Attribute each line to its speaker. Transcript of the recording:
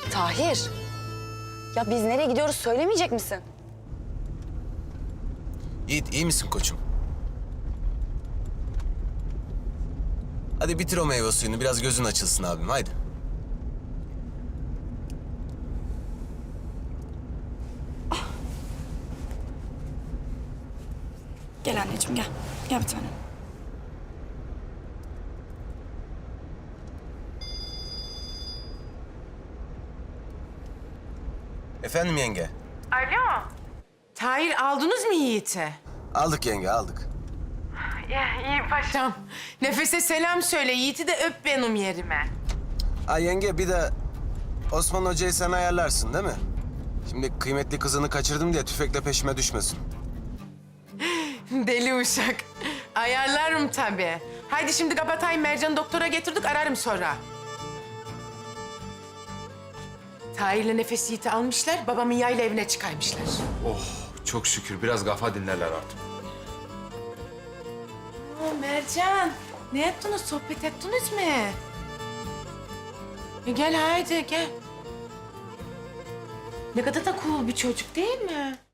Speaker 1: Tahir. Ya biz nereye gidiyoruz söylemeyecek misin?
Speaker 2: Yiğit, iyi misin koçum? Hadi bitir o meyve suyunu, biraz gözün açılsın abim, haydi.
Speaker 1: Gel anneciğim gel. Gel bir tanem.
Speaker 2: Efendim yenge?
Speaker 3: Alo. Tahir aldınız mı Yiğit'i?
Speaker 2: Aldık yenge, aldık.
Speaker 3: Ya iyi paşam. Nefes'e selam söyle. Yiğit'i de öp benim yerime.
Speaker 2: Ay yenge, bir de Osman Hoca'yı sen ayarlarsın değil mi? Şimdi kıymetli kızını kaçırdım diye tüfekle peşime düşmesin.
Speaker 3: Deli uşak. Ayarlarım tabii. Haydi şimdi kapatayım. Mercan'ı doktora getirdik. Ararım sonra. Tahir'le Nefes Yiğit'i almışlar. Babamın yayla evine çıkarmışlar.
Speaker 4: Oh çok şükür biraz kafa dinlerler artık.
Speaker 3: Mercan, ne yaptınız? Sohbet ettiniz mi? Gel haydi gel. Ne kadar da cool bir çocuk değil mi?